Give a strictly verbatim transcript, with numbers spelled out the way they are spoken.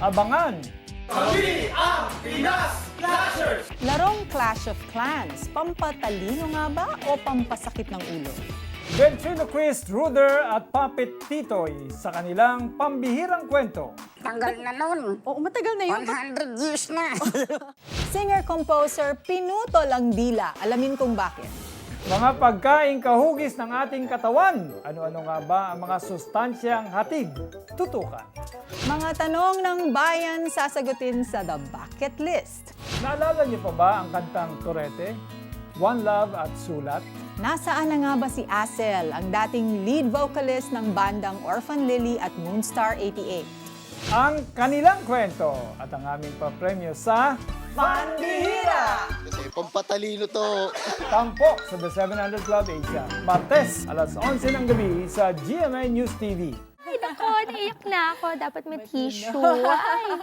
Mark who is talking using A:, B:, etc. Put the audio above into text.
A: Abangan!
B: Larong Clash of Clans, pampatalino nga ba o pampasakit ng ulo?
A: Ventriloquist Ruder at Puppet Titoy sa kanilang pambihirang kwento.
C: Tanggal na nun.
B: Oo, matagal na yun.
C: one hundred years na.
B: Singer-composer pinutol ang dila. Alamin kung bakit.
A: Mga pagkaing kahugis ng ating katawan. Ano-ano nga ba ang mga sustansyang hatid? Tutukan.
B: Mga tanong ng bayan sasagutin sa The Bucket List.
A: Naalala niyo pa ba ang kantang Torete? One Love at Sulat?
B: Nasaan na nga ba si Asel, ang dating lead vocalist ng bandang Orphan Lily at Moonstar eighty-eight?
A: Ang kanilang kwento at ang aming papremyo sa Pambihira!
D: Kasi pampatalino to.
A: Tampok sa The seven hundred Club Asia. Martes, alas onse ng gabi sa G M A News T V.
E: Ay, nako, naiyak na ako. Dapat may tissue. Ay.